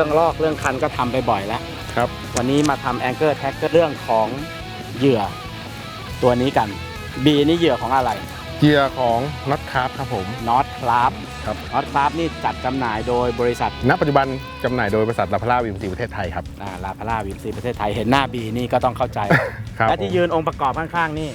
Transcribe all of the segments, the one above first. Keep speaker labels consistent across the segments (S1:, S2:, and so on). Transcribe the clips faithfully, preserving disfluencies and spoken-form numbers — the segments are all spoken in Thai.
S1: รื่องลอกเรื่องคันก็ทำไปบ่อยแล้ว
S2: ครับ
S1: วันนี้มาทำแองเกอร์แท็กเรื่องของเหยื่อตัวนี้กัน B นี่เหยื่อของอะไร
S2: เหยื่อของน็อตคราฟครับผม
S1: น็อตคราฟ
S2: ครับ
S1: น็อตคราฟนี่จัดจำหน่ายโดยบริษัท
S2: ณปัจจุบันจำหน่ายโดยบริษัทลาพาร่าวิมซีประเทศไทยครับ
S1: ลาพาร่าวิมซีประเทศไทยเห็นหน้า B นี่ก็ต้องเข้าใจและที่ยืนองค์ประกอบข้างๆนี่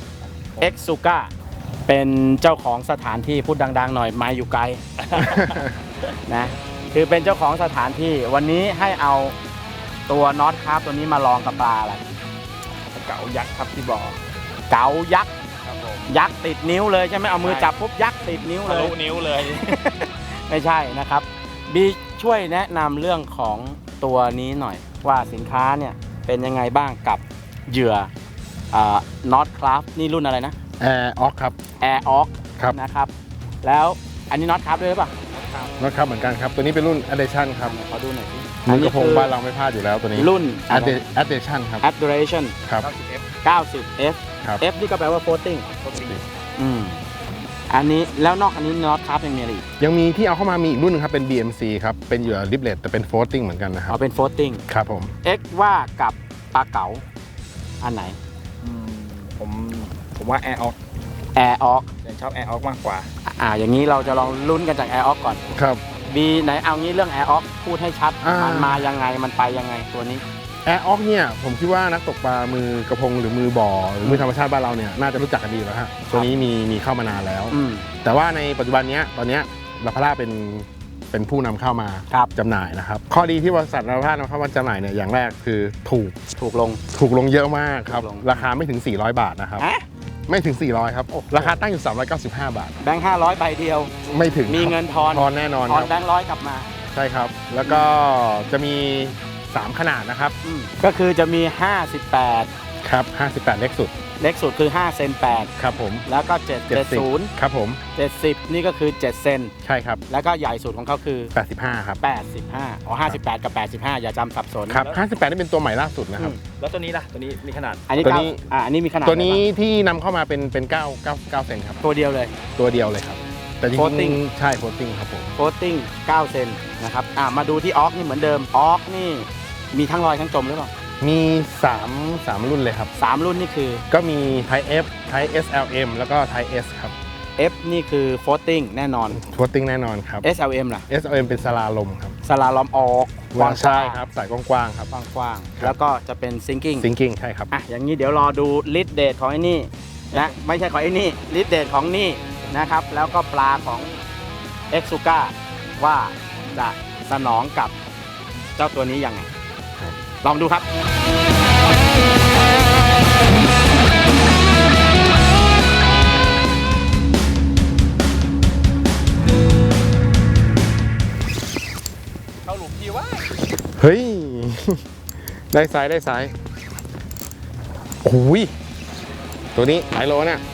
S1: X Suka เป็นเจ้าของสถานที่พูดดังๆหน่อยไม้อยู่ไกล นะคือเป็นเจ้าของสถานที่วันนี้ให้เอาตัวน็อตคราฟตัวนี้มาลองกับปลาอะไรเก๋ายักษ์ครับที่บอกเก๋ายักษ์ยักษ์ติดนิ้วเลยใช่ไหมเอามือจับปุ๊บยักษ์ติดนิ้วเลยทะลุนิ้วเลย ไม่ใช่นะครับบีช่วยแนะนำเรื่องของตัวนี้หน่อยว่าสินค้าเนี่ยเป็นยังไงบ้างกับเหยื่อน็อตคราฟนี่รุ่นอะไรนะ
S2: Air Ox ครับ
S1: Air Ox นะครับแล้วอันนี้น็อตคราฟด้วยหรือเปล่า
S2: น็อตคราฟเหมือนกันครับตัวนี้เป็นรุ่น Addition ครับ
S1: ขอดูหน่อยสิ
S2: มือกระพงบ้านเราไม่พลาดอยู่แล้วตัวนี้
S1: รุ่น
S2: Addition ครับ
S1: Addition
S2: ครับ
S1: เก้าสิบ F F นี่ก็แปลว่า floating อืมอันนี้แล้วนอกอันนี้น็อตคราฟยังมีอะไรอีก
S2: ยังมีที่เอาเข้ามามีอีกรุ่นนึงครับเป็น บี เอ็ม ซี ครับเป็นเหยื่อริบเลตแต่เป็น floating เหมือนกันนะครับ
S1: อ๋อเป็น floating
S2: ครับผม
S1: X ว่ากับปลาเก๋าอันไหน
S3: ผมผมว่า Air Ox
S1: Air Ox
S3: ยังชอบ Air Ox มากกว่า
S1: อ่าอย่างนี้เราจะลองลุ้นกันจาก Air Ox ก่อน
S2: ครับ
S1: B ไหนเอางี้เรื่อง Air Ox พูดให้ชัดมันมายังไงมันไปยังไงตัวนี้
S2: Air Ox เนี่ยผมคิดว่านักตกปลามือกระพงหรือมือบ่อหรือมือธรรมชาติบ้านเราเนี่ยน่าจะรู้จักกันดีแล้วฮะตัวนี้มีมีเข้ามานานแล้วแต่ว่าในปัจจุบันนี้ตอนนี้ลาพาร่าเป็นเป็นผู้นำเข้ามาจำหน่ายนะครับข้อดีที่บริษัทลาพาร่านำเข้ามาจำหน่ายเนี่ยอย่างแรกคือถูก
S1: ถูกลง
S2: ถูกลงเยอะมากครับราคาไม่ถึงสี่ร้อยบาทนะครับไม่ถึงสี่ร้อยครับราคาตั้งอยู่สามร้อยเก้าสิบห้าบาท
S1: แบงค์ห้าร้อยใบเดียว
S2: ไม่ถึง
S1: มีเงินทอน
S2: ทอนแน่นอน
S1: ทอนแบงค์ร้อยกลับมา
S2: ใช่ครับแล้วก็จะมีสามขนาดนะครับ
S1: ก็คือจะมีห้าสิบแปด
S2: ครับห้าสิบแปดเล็กสุด
S1: เล็กสุดคือห้าเซนแปด
S2: ครับผม
S1: แล้วก็เจ็ด เจ็ดสิบ
S2: ครับผม
S1: เจ็ดสิบนี่ก็คือเจ็ดเซน
S2: ใช่ครับ
S1: แล้วก็ใหญ่สุดของเขาคือ
S2: แปดสิบห้าครับ
S1: แปดสิบห้าอ๋อห้าสิบแปดกับแปดสิบห้าอย่าจำสับสน
S2: ครับห้าสิบแปดนี่เป็นตัวใหม่ล่าสุดนะครับ
S3: แล้วตัวนี้ล่ะตัวนี้มีขนาด
S1: อันนี้ตัวนี้อ่าอันนี้มีขนาด
S2: ตัวนี้ที่นำเข้ามาเป็นเป็นเก้า เก้า เก้าเซนครับ
S1: ตัวเดียวเลย
S2: ตัวเดียวเลยครับแต่จริงๆใช่โฟลติ้งครับผม
S1: โฟลติ้งเก้าเซนนะครับอ่ามาดูที่ออกนี่เหมือนเดิมออกนี่มีทั้งลอยทั้งจมหรือเปล่า
S2: มีสาม สามรุ่นเลยครับ
S1: สามรุ่นนี่คือ
S2: ก็มี Type F Type เอส แอล เอ็ม แล้วก็ Type S ครับ
S1: F นี่คือ floating แน่นอน
S2: floating แน่นอนครับ
S1: เอส แอล เอ็ม ล่ะ
S2: เอส แอล เอ็ม เป็นสลาลมครับ
S1: สลาลมออก
S2: กว้างใช่ครับสายกว้างๆครับ
S1: กว้างๆแล้วก็จะเป็น sinking
S2: sinking ใช่ครับ
S1: อ่ะอย่างนี้เดี๋ยวรอดูลิดเดทของไอ้นี่นะไม่ใช่ของไอ้นี่ลิดเดทของนี่นะครับแล้วก็ปลาของ X Suka ว่าจะสนองกับเจ้าตัวนี้ยังไงลองดูครับ
S3: เข้าหลุมพี่ว่า
S2: เฮ้ยได้สายได้สายโอ้ยตัวนี้หลายโลเนี่ย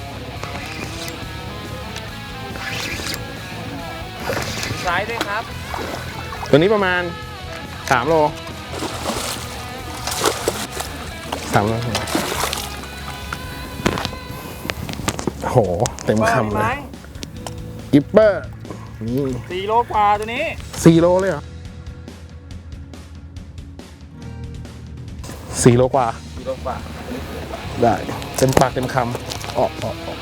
S3: สายด้วยครับ
S2: ตัวนี้ประมาณสามโลสามโลโหเต็มคำเลยกิปเปอร์นี่
S3: สี่โลกว่าตัวนี้
S2: สี่โลเลยเหรอสี่โลกว่า
S3: สี่โลกว่า
S2: ได้เต็มปากเต็มคำออกออกออก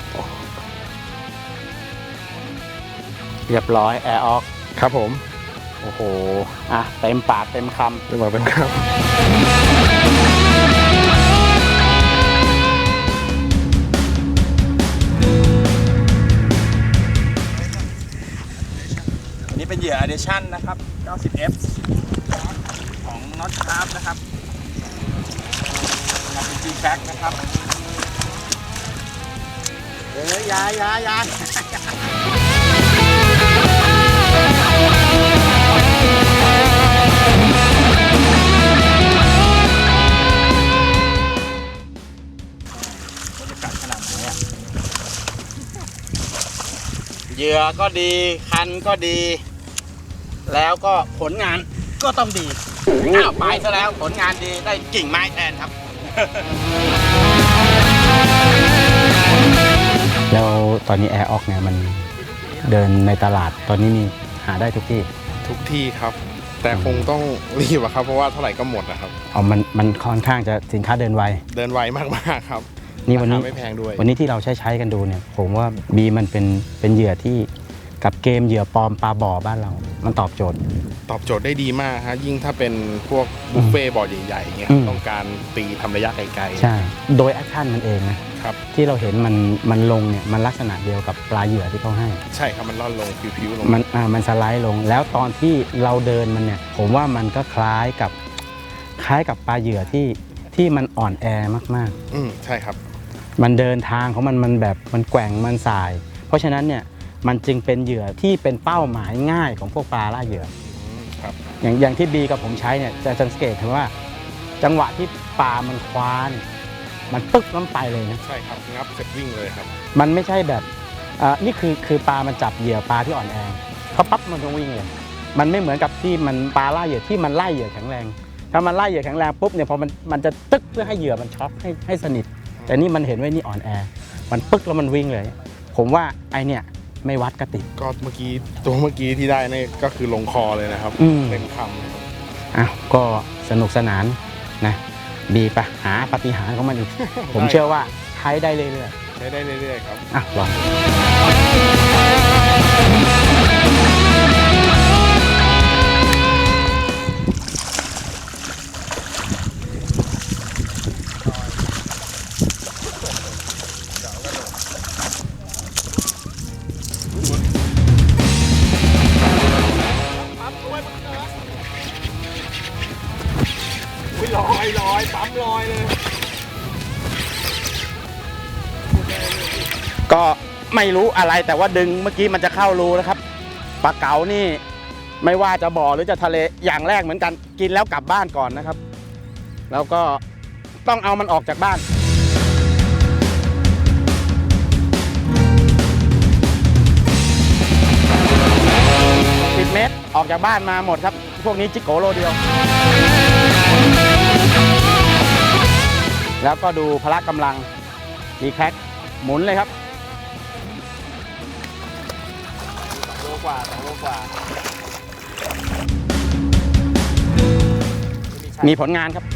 S1: เรียบร้อยแอร์ออก
S2: ครับผม
S1: โอ้โหอ่ะเต็มปากเต็มคำ
S2: เต็มปากเต็มคำ
S3: อันนี้เป็นเหยื่อ Addition นะครับ เก้าสิบ F ของ Knot Craft นะครับเป็น G-Pack นะครับ
S1: เอ้ยยายายาเหยื่อก็ดีคันก็ดีแล้วก็ผลงานก็ต้องดีอ้าวไปซะแล้วผลงานดีได้กิ่งไม้แทนครับแล้วตอนนี้แอร์ออกเนี่ยมันเดินในตลาดตอนนี้มีหาได้ทุกที่
S2: ทุกที่ครับแต่คงต้องรีบอะครับเพราะว่าเท่าไหร่ก็หมดนะครับ
S1: อ๋อมันมันค่อนข้างจะสินค้าเดินไว
S2: เดินไวมากๆครับ
S1: นี่วันนี้
S2: ราคาไม่แพงด้วย
S1: วันนี้ที่เราใช้ใช้กันดูเนี่ยผมว่าบีมันเป็นเป็นเหยื่อที่กับเกมเหยื่อปลอมปลาบ่อบ้านเรา มันตอบโจทย์
S2: ตอบโจทย์ได้ดีมากฮะยิ่งถ้าเป็นพวกบุฟเฟ่ต์บ่อใหญ่ๆเงี้ย
S1: อืม
S2: ต้องการตีทำระยะไกลๆ
S1: ใช่ โดยแอคชั่นมันเองนะครับ ที่เราเห็นมันมันลงเนี่ยมันลักษณะเดียวกับปลาเหยื่อที่เขาให้
S2: ใช่ครับมันล่อนลงผิวๆลง
S1: มันอ่ามันสไลด์ลงแล้วตอนที่เราเดินมันเนี่ยผมว่ามันก็คล้ายกับคล้ายกับปลาเหยื่อที่ที่มันอ่อนแอมาก
S2: อืมใช่ครับ
S1: ๆ มันเดินทางของมันมันแบบมันแกว่งมันสาย เพราะฉะนั้นเนี่ยมันจึงเป็นเหยื่อที่เป็นเป้าหมายง่ายของพวกปลาล่าเหยื่อ
S2: อืมครับ
S1: อย่างอย่างที่บีกับผมใช้เนี่ยจะสังเกตเห็นว่า จังหวะที่ปลามันคว้าเนี่ยมันปึ๊กน้ำไปเลยนะ
S2: ใช่ครับงับเสร็จวิ่งเลยครับ
S1: มันไม่ใช่แบบอ่านี่คือคือปลามันจับเหยื่อปลาที่อ่อนแอเขาปั๊บมันต้องวิ่งเลย มันไม่เหมือนกับที่มันปลาล่าเหยื่อที่มันไล่เหยื่อแข็งแรง ถ้ามันไล่เหยื่อแข็งแรงปุ๊บเนี่ยพอมันมันจะตึกเพื่อให้เหยื่อมันช็อกให้ให้สนิท แต่นี่มันเห็นว่านี่อ่อนแอ มันปึ๊กแล้วมันวิ่งเลย ผมว่าไอเนี่ยไม่วัดกระติก
S2: ก็เมื่อกี้ตัวเมื่อกี้ที่ได้นี่ก็คือลงคอเลยนะครับ
S1: อืม
S2: เต็มคำนะครับ
S1: อ้าวก็สนุกสนานนะบีไปหาปาฏิหาริย์ของมันอีก ผมเชื่อว่าใช้ได้เรื่อย
S2: ใช้ได้เรื่อยๆครับ
S1: ๆอ่ะลองดู
S3: ลอยลอยปั๊มลอยเลย
S1: ก็ไม่รู้อะไรแต่ว่าดึงเมื่อกี้มันจะเข้ารูนะครับปลาเก๋านี่ไม่ว่าจะบ่อหรือจะทะเลอย่างแรกเหมือนกันกินแล้วกลับบ้านก่อนนะครับ แล้วก็ต้องเอามันออกจากบ้านสิบเมตรออกจากบ้านมาหมดครับพวกนี้จิโกโลเดียว แล้วก็ดูพละกำลังดีแคร็กหมุนเลยครับโลกว่าสองโลกว่ามีผลงานครับ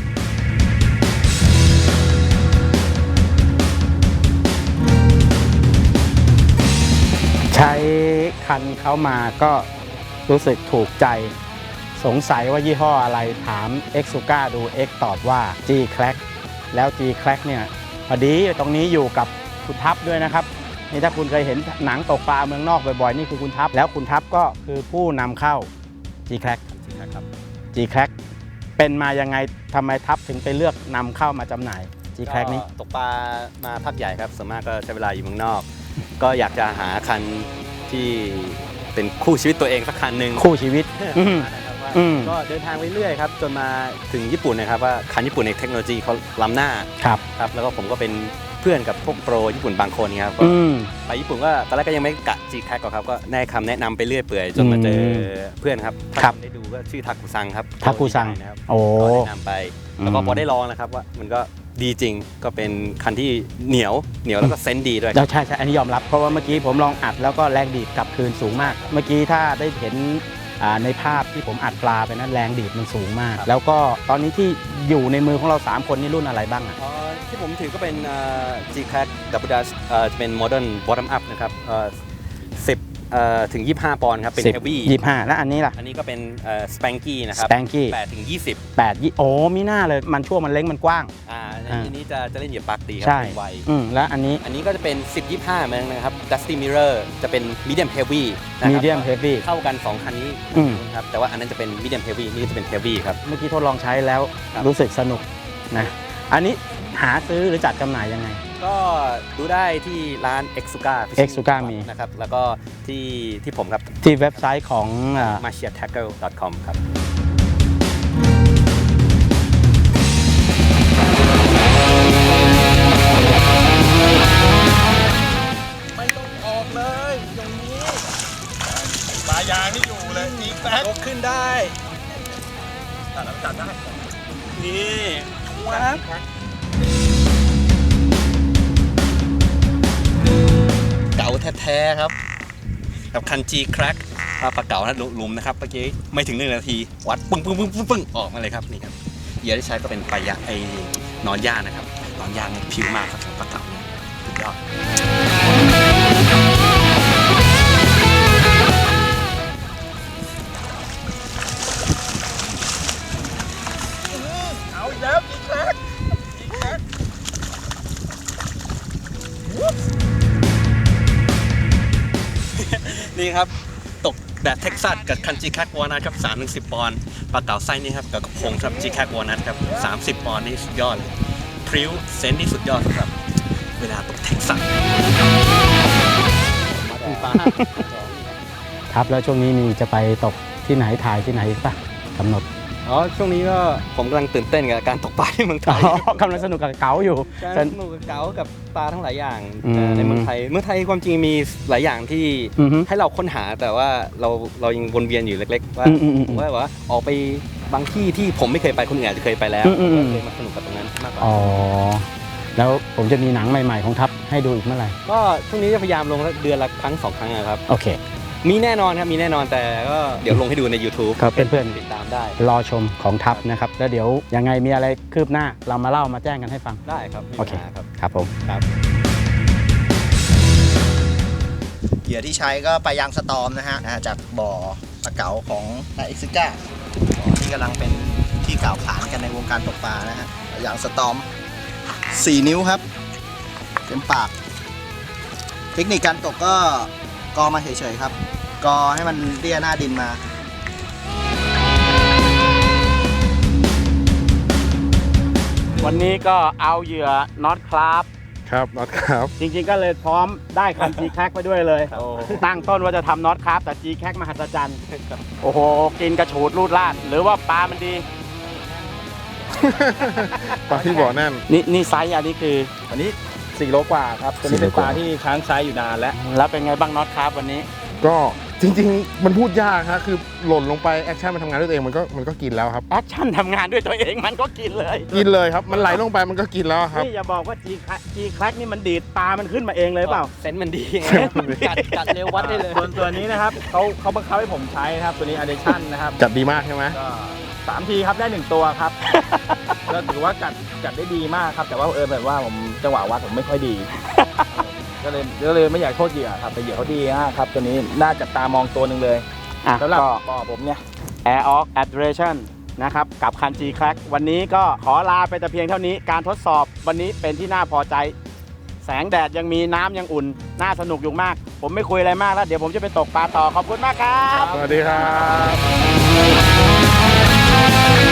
S1: ใช้คันเขามาก็รู้สึกถูกใจสงสัยว่ายี่ห้ออะไรถาม X Suka ดู X ตอบว่า G Crack แล้ว G Crack เนี่ยพอดีตรงนี้อยู่กับคุณทัพด้วยนะครับนี่ถ้าคุณเคยเห็นหนังตกปลาเมืองนอกบ่อยๆนี่คือคุณทัพแล้วคุณทัพก็คือผู้นำเข้า G Crack
S3: ครับ
S1: G Crack เป็นมายังไงทำไมทัพถึงไปเลือกนำเข้ามาจำหน่าย G Crack นี้
S4: ตกปลามาพักใหญ่ครับส่วนมากก็ใช้เวลาอยู่เมืองนอก ก็อยากจะหาคันที่เป็นคู่ชีวิตตัวเองสักคันหนึ่ง
S1: คู่ชีวิตอืม
S4: นะครับว่า
S1: อืม
S4: ก็เดินทางไปเรื่อยครับจนมาถึงญี่ปุ่นนะครับว่าคันญี่ปุ่นในเทคโนโลยีเขาล้ำหน้า
S1: ครับ
S4: ครับแล้วก็ผมก็เป็นเพื่อนกับพวกโปรญี่ปุ่นบางคนครับก็
S1: อืม
S4: ไปญี่ปุ่นก็ตอนแรกก็ยังไม่กะจีแคกหรอกครับก็ได้คำแนะนำไปเรื่อยเปื่อยจนมาเจอเพื่อนครับ
S1: ครับ
S4: ถ้าได้ดูก็ชื่อทากุซังครับ
S1: ทากุซัง
S4: นะครับ
S1: โอ้
S4: ก็แนะนำไปแล้วก็
S1: อืม
S4: พอได้ลองนะครับว่ามันก็ดีจริงก็เป็นคันที่เหนียวเหนียวแล้วก็เซนส์ดีด้วย
S1: แล้วใช่ใช่อันนี้ยอมรับเพราะว่าเมื่อกี้ผมลองอัดแล้วก็แรงดีดกลับคืนสูงมาก เมื่อกี้ถ้าได้เห็นอ่าในภาพที่ผมอัดปลาไปนั้นแรงดีดมันสูงมาก แล้วก็ตอนนี้ที่อยู่ในมือของเราสามคนนี่รุ่นอะไรบ้างอ่ะ
S4: เอ่อที่ผมถือก็เป็น G-Crack Double Dash เอ่อจะเป็น Modern Bottom Up นะครับเอ่อสิบเอ่อถึงยี่สิบห้าปอนด์ครับเป็น
S1: สิบ
S4: Heavy
S1: ยี่สิบห้าแล้วอันนี้ล่ะ
S4: อันนี้ก็เป็นเอ่อ Spanky นะครับ
S1: Spanky
S4: แปดถึงยี่สิบ
S1: แปดยี่โอ้มีหน้าเลยมันช่วงมันเล็กมันกว้าง
S4: อ่า
S1: อ่า
S4: อันนี้จะจะเล่นเหยียบปลักดีครั
S1: ใช่
S4: เป็นไว
S1: อืมแล้วอันนี้
S4: อันนี้ก็จะเป็นสิบ ยี่สิบห้าเหมือนกันนะครับ Dusty Mirror จะเป็น Medium Heavy นะครับ
S1: medium heavy
S4: เข้ากันสองคันนี้
S1: อืม
S4: ครับแต่ว่าอันนั้นจะเป็น Medium Heavy นี่จะเป็น Heavy ครับ
S1: เมื่อกี้ทดลองใช้แล้ว
S4: ครับ
S1: รู้สึกสนุกนะอันนี้หาซื้อหรือจัดจำหน่ายยังไง
S4: ก็ดูได้ที่ร้าน X Suka
S1: X-Suka มี
S4: นะครับแล้วก็ที่ที่ผมครับ
S1: ที่เว็บไซต์ของอ่า
S4: มาเชียร์แท็กเกิล ดอท คอม ครับ
S3: ไม่ต้องออกเลยอย่างนี้ปลายางนี่อยู่เลยจีแป๊กยกขึ้นได้ตัดแล้วตัดได้นี่ว้าวเก่าแท้ๆครับกับคัน G Crack
S4: ปลาปลาเก๋านะลุมนะครับเมื่อกี้ไม่ถึงหนึ่งนาทีวัดปึ้งปึ้งปึ้งปึ้งปึ้งออกมาเลยครับนี่ครับเหยื่อที่ใช้ก็เป็นปลายะไอ้นอนย่างนะครับนอนย่างเนี่ยผิวมากครับปลาเก๋าเนี่ยสุดยอด
S3: เอาอีกแล้วอีกแล้วอีกแล้ว
S4: นี่ครับตกแบบเท็กซัสกับคันจีแคกวอนัทครับสามถึงสิบปอนด์ปลาเก๋าไส้นี่ครับกับกระพงครับจีแคกวอนัทครับสามสิบปอนด์นี่สุดยอดเลยพริ้วเซนต์นี่สุดยอดครับเวลาตกเท็กซัส
S1: ครับแล้วช่วงนี้มีจะไปตกที่ไหนถ่ายที่ไหนอีกปะกำหนด
S4: อ๋อช่วงนี้ก็ผมกำลังตื่นเต้นกับการตกปลาที่เมืองไทย
S1: กำลังสนุกกับเก๋าอยู่
S4: การสนุกกับเก๋ากับปลาทั้งหลายอย่าง
S1: อืม
S4: ในเมืองไทยเมืองไทยความจริงมีหลายอย่างที่
S1: อือฮึ
S4: ให้เราค้นหาแต่ว่าเราเรายังวนเวียนอยู่เล็กๆว่า
S1: อืมอืมอืม
S4: ผมว่าว่าออกไปบางที่ที่ผมไม่เคยไปคนอื่นอาจจะเคยไปแล้ว
S1: อืมอืมอืม
S4: ก็เลยมาสนุกกับตรงนั้นมากกว่า
S1: อ๋อแล้วผมจะมีหนังใหม่ๆของทัพให้ดูอีกเมื่อไหร่
S4: ก็ช่วงนี้จะพยายามลงเดือนละครั้งสองครั้งนะครับ
S1: โอเค
S4: มีแน่นอนครับมีแน่นอนแต่ก็เดี๋ยวลงให้ดูใน YouTube
S1: ครับเพื่อนๆ
S4: ติดตามได้
S1: รอชมของทัพนะครับ แล้วเดี๋ยวยังไงมีอะไรคืบหน้าเรามาเล่ามาแจ้งกันให้ฟัง
S4: ได้ครับไม่มี
S1: โอเค
S4: ปัญหาครับ
S1: ครับผม
S4: ครับ
S5: เหยื่อที่ใช้ก็ปลายางสตอมนะฮะนะฮะจากบ่อปลาเก๋าของนายเอ็กซิก้าที่กำลังเป็นที่กล่าวขานกันในวงการตกปลานะฮะปลายางสตอมสี่นิ้วครับเต็มปาก เทคนิคการตกก็กอมาเฉยๆครับ กอให้มันเลี่ยหน้าดินมา
S1: วันนี้ก็เอาเหยื่อน็อตคราฟ
S2: ครับน็อตครับ
S1: จริงๆก็เลยพร้อมได้คัน G แค ไปด้วยเลย ตั้งต้นว่าจะทำน็อตคราฟแต่ G แค มหัศจรรย์โอ้โห กินกระฉูดรูดลาด หรือว่าปลามันดี
S2: ปลาที่บ่อแน่น
S1: นี่นี่ไซส์อันนี้คือ
S3: อันนี้สี่โลกว่าครับตัวนี้เป็นปลาที่ค้างไซส์อยู่นานแล้ว
S1: แล้วเป็นไงบ้างน็อตคราฟวันนี้
S2: ก็จริงๆ มันพูดยากครับคือหล่นลงไปแอคชั่นมันทำงานด้วยตัวเองมันก็มันก็กินแล้วครับ
S1: แอคชั่นทำงานด้วยตัวเองมันก็กินเลย
S2: กินเลยครับมันไหลลงไปมันก็กินแล้วครับ
S1: นี่อย่าบอกว่า G แค นี่มันดีดปลามันขึ้นมาเองเลยเปล่า
S4: เซนส์มันดีไง
S2: เซนส์มันดี
S4: กัดกัดเร็ววัดได้เลย
S3: ส่วนตัวนี้นะครับเขาเขาบังคับให้ผมใช้นะครับตัวนี้ addiction นะครับ
S2: จัดดีมากใช่ไหม
S3: ก็สามทีครับได้หนึ่งตัวครับ ก็ถือว่ากัดกัดได้ดีมากครับ แต่ว่าเออแบบว่าผมจังหวะวัดผมไม่ค่อยดี ก็เลยก็เลยไม่อยากโทษเหยื่อครับแต่เหยื่อเขาดีมากครับตัวนี้น่าจับตามองตัวหนึ่งเลย
S1: อ่ะ
S3: สำหรับ
S1: ก็
S3: บ่อผมเนี่ย
S1: Air Ox Adoration นะครับกับคัน G แค วันนี้ก็ขอลาไปแต่เพียงเท่านี้การทดสอบวันนี้เป็นที่น่าพอใจ แสงแดดยังมีน้ำยังอุ่น น่าสนุกอยู่มาก ผมไม่คุยอะไรมากแล้ว เดี๋ยวผมจะไปตกปลาต่อ ขอบคุณมากครับ
S2: สวัสดีครับ